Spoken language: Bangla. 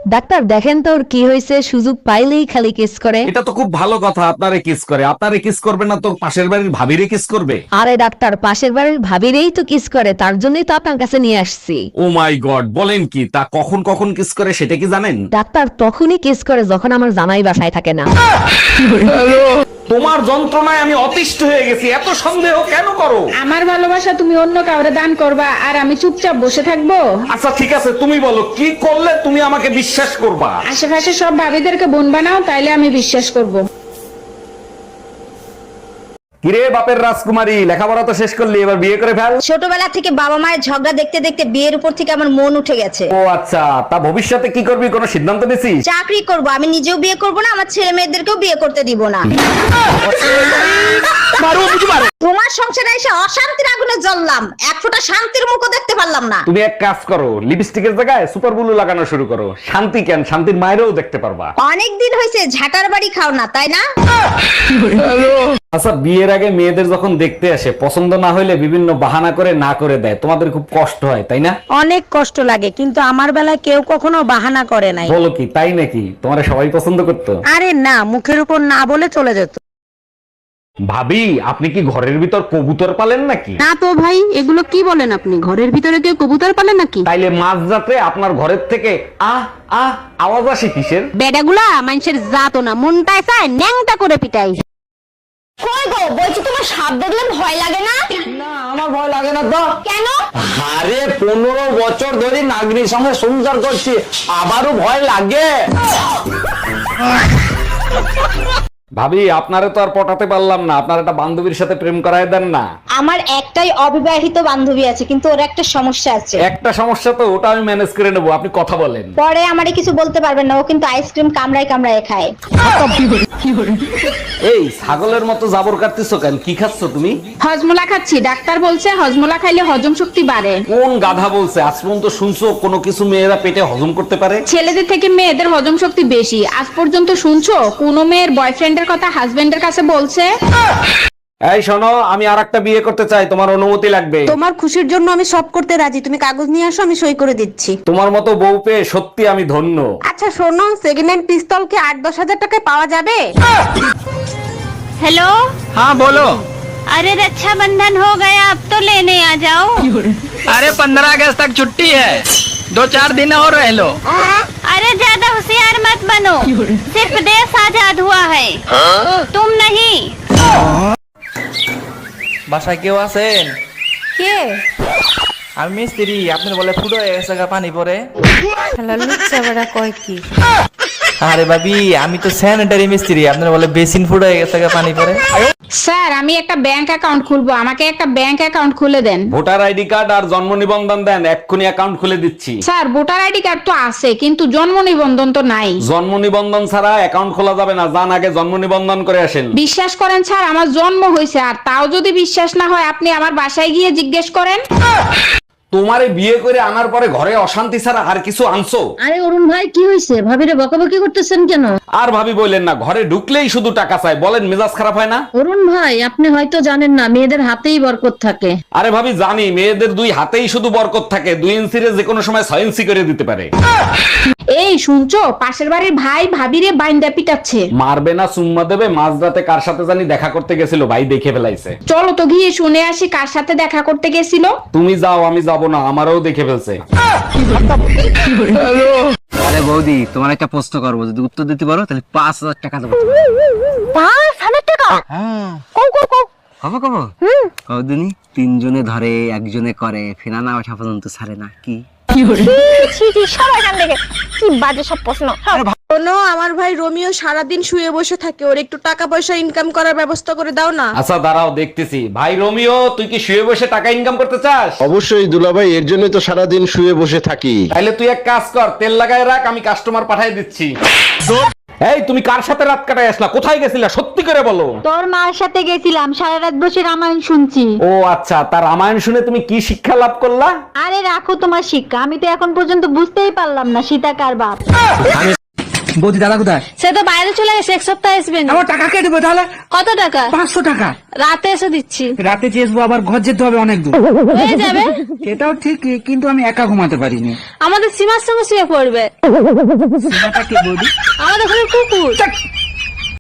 ডাক্তার দেখেন তো ওর কি হয়েছে, সুযোগ পাইলেই খালি কিস করে। এটা তো খুব ভালো কথা, আপনারে কিস করে। আপনারে কিস করবে না তো পাশের বাড়ির ভাবিরে কিস করবে? আরে ডাক্তার, পাশের বাড়ির ভাবিরেই তো কিস করে, তার জন্যই তো আপনার কাছে নিয়ে আসছি। ও মাই গড, বলেন কি? তা কখন কখন কিস করে সেটা কি জানেন? ডাক্তার তখনই কিস করে যখন আমার জামাই বাসায় থাকে না। তোমার যন্ত্রণায় আমি অতিষ্ঠ হয়ে গেছি, এত সন্দেহ কেন করো? আমার ভালোবাসা তুমি অন্য কাউরে দান করবা আর আমি চুপচাপ বসে থাকবো? আচ্ছা ঠিক আছে, তুমি বলো কি করলে তুমি আমাকে বিশ্বাস করবা? আশেপাশে সব ভাবিদেরকে বোন বানাও, তাইলে আমি বিশ্বাস করব। কিরে বাপের রাজকুমারী, লেখাপড়া তো শেষ করলি, এবার বিয়ে করে ফেল। ছোটবেলা থেকে বাবা মায়ের ঝগড়া দেখতে দেখতে বিয়ের উপর থেকে আমার মন উঠে গেছে। ও আচ্ছা, তা ভবিষ্যতে কি করবি, কোনো সিদ্ধান্ত নিছিস? চাকরি করব, আমি নিজেও বিয়ে করব না, আমার ছেলে মেয়েদেরকেও বিয়ে করতে দিব না। তোমার সংসারে এসে অশান্তির আগুনে জ্বললাম, এক ফোঁটা শান্তির মুখও দেখতে পারলাম না। তুমি এক কাজ করো, লিপস্টিকের জায়গায় সুপার ব্লু লাগানো শুরু করো। শান্তি কেন, শান্তির মায়েরও দেখতে পারবা। অনেক দিন হয়েছে ঝাঁটার বাড়ি খাও না, তাই না? আচ্ছা, বিয়ের আগে মেয়েদের যখন দেখতে আসে পছন্দ না হইলে বিভিন্ন বাহানা করে না করে দেয়, তোমাদের খুব কষ্ট হয় তাই না? অনেক কষ্ট লাগে, কিন্তু আমার বেলায় কেউ কখনো বাহানা করে নাই। বলো কি, তাই নাকি? তোমার সবাই পছন্দ করতো? আরে না, মুখের উপর না বলে চলে যেত। ভাবি, আপনি কি ঘরের ভিতর কবুতর পালেন নাকি? না তো ভাই, এগুলো কি বলেন আপনি? ঘরের ভিতরে কেউ কবুতর পালে নাকি? তাইলে মাঝরাতে আপনার ঘরের থেকে আহ আহ আওয়াজ আসে কিসের? বেডাগুলা মানুষের জাতো না, মনটায় চায় ন্যাংটা করে পিটাই। কই গো, বলছি তোমার সাপ দেখলে ভয় লাগে না? না, আমার ভয় লাগে না তো। কেন? আরে 15 বছর ধরে নাগরিক সঙ্গে সংসার করছি, আবারও ভয় লাগে। ভাবি, আপনারে তো আর পটাতে পারলাম না, আপনার একটা বান্ধবীর সাথে প্রেম করায় দেন না। আমার একটাই অবিবাহিত বান্ধবী আছে, কিন্তু ওর একটা সমস্যা আছে। একটা সমস্যা তো, ওটা আমি ম্যানেজ করে নেবো, আপনি কথা বলেন। পরে আমারে কিছু বলতে পারবেন না, ও কিন্তু আইসক্রিম কামড়ায় কামড়ায় খায়। এই ছাগলের মতো জাবর কাটতেছো কেন? কি খাচ্ছ তুমি? হজমোলা খাচ্ছি, ডাক্তার বলছে হজমোলা খাইলে হজম শক্তি বাড়ে। কোন গাধা বলছে? আজ পর্যন্ত শুনছো কোনো কিছু মেয়েরা পেটে হজম করতে পারে? ছেলেদের থেকে মেয়েদের হজম শক্তি বেশি। আজ পর্যন্ত শুনছো কোন মেয়ের বয়ফ্রেন্ডের কথা হাজবেন্ডের কাছে বলছে? এই শোনো, আমি আরেকটা বিয়ে করতে চাই, তোমার অনুমতি লাগবে। তোমার খুশির জন্য আমি সব করতে রাজি, তুমি কাগজ নিয়ে আসো, আমি সই করে দিচ্ছি। তোমার মতো বউ পেয়ে সত্যি আমি ধন্য। আচ্ছা শোনো, সেকেন্ড হ্যান্ড পিস্তল কি 8-10 হাজার টাকায় পাওয়া যাবে? हेलो। हाँ बोलो। अरे रक्षाबंधन हो गया, अब तो लेने आ जाओ। अरे 15 अगस्त तक छुट्टी है, 2-4 दिन और रह लो। अरे ज्यादा होशियार मत बनो, सिर्फ देश आजाद हुआ है, तुम नहीं। বাসায় কেউ আছেন? কে? আমি মিস্ত্রি, আপনার বলে ফুটো হয়ে গেছে গা পানি পরে। শালা লুচ্চা বেড়া কয় কি? আরে ভাবি, আমি তো স্যানিটারি মিস্ত্রি, আপনার বলে বেসিন ফুটো হয়ে গেছে গা পানি পরে। স্যার, আমি একটা ব্যাংক অ্যাকাউন্ট খুলবো, আমাকে একটা ব্যাংক অ্যাকাউন্ট খুলে দেন। ভোটার আইডি কার্ড আর জন্ম নিবন্ধন দেন, এক্ষুনি অ্যাকাউন্ট খুলে দিচ্ছি। স্যার, ভোটার আইডি কার্ড তো আছে, কিন্তু জন্ম নিবন্ধন তো নাই। জন্ম নিবন্ধন ছাড়া অ্যাকাউন্ট খোলা যাবে না, যান আগে জন্ম নিবন্ধন করে আসেন। বিশ্বাস করেন স্যার, আমার জন্ম হয়েছে, আর তাও যদি বিশ্বাস না হয় আপনি আমার বাসায় গিয়ে জিজ্ঞেস করেন। তোমারে বিয়ে করে আনার পরে ঘরে অশান্তি ছাড়া আর কিছু আনছো? আরে অরুণ ভাই, কি হয়েছে? ভাবিরে বকাবকি করতেছেন কেন? আর ভাবি বললেন না, ঘরে ঢুকলেই শুধু টাকা চাই, বলেন মেজাজ খারাপ হয় না? অরুণ ভাই, আপনি হয়তো জানেন না, মেয়েদের হাতেই বরকত থাকে। আরে ভাবি জানি, মেয়েদের 2 হাতেই শুধু বরকত থাকে, 2 ইঞ্চিরে যে কোনো সময় 6 ইঞ্চি করে দিতে পারে। এই শুনছো, পাশের বাড়ির ভাই ভাবিরে বাইন্দা পিটাচ্ছে। মারবে না চুম্মা দেবে, মাঝরাতে কার সাথে জানি দেখা করতে গেছিল, ভাই দেখে ফেলাইছে। চলো তো গিয়ে শুনে আসি কার সাথে দেখা করতে গেছিল। তুমি যাও, আমি যাব না, আমারও দেখে ফেলছে। আরে বৌদি, তোমার একটা প্রশ্ন করবো, যদি উত্তর দিতে পারো তাহলে 5000 টাকা দেবো। 5,000 টাকা? হ্যাঁ, কও কও কও। কবে কবে? কদিনই 3 জনে ধরে, 1 জনে করে, ফেনা ওঠা পর্যন্ত ছাড়ে না। কি সবাই কান দেখে কি বাজে সব প্রশ্ন। শোনো, আমার ভাই রোমিও সারাদিন শুয়ে বসে থাকে, ওর একটু টাকা পয়সা ইনকাম করার ব্যবস্থা করে দাও না। আচ্ছা দাঁড়াও, দেখতেছি। ভাই রোমিও, তুই কি শুয়ে বসে টাকা ইনকাম করতে চাস? অবশ্যই দুলাভাই, এর জন্যই তো সারাদিন শুয়ে বসে থাকি। তাইলে তুই এক কাজ কর, তেল লাগায় রাখ, আমি কাস্টমার পাঠিয়ে দিচ্ছি। এই তুমি কার সাথে রাত কাটায় আসলা? কোথায় গেছিলা? সত্যি করে বলো। তোর মার সাথে গেছিলাম, সারা রাত বসে রামায়ণ শুনছি। ও আচ্ছা, তার রামায়ণ শুনে তুমি কি শিক্ষা লাভ করলা? আরে রাখো তোমার শিক্ষা, আমি তো এখন পর্যন্ত বুঝতেই পারলাম না সীতা কার বাপ। বৌদি দাদা কোথায়? সে তো বাইরে চলে গেছে, এক সপ্তাহ আসবে না। আমার টাকা কে দেবো তাহলে? কত টাকা? 500 টাকা। রাতে এসে দিচ্ছি। রাতে চেয়েছবো, আবার ঘর যেতে হবে অনেক দূর। হয়ে যাবে। এটাও ঠিক, কিন্তু আমি একা ঘুমাতে পারিনি। আমাদের সীমার সঙ্গে শুয়ে পড়বে। সীমাটা কে বৌদি? আমাদের ঘরে কুকুর।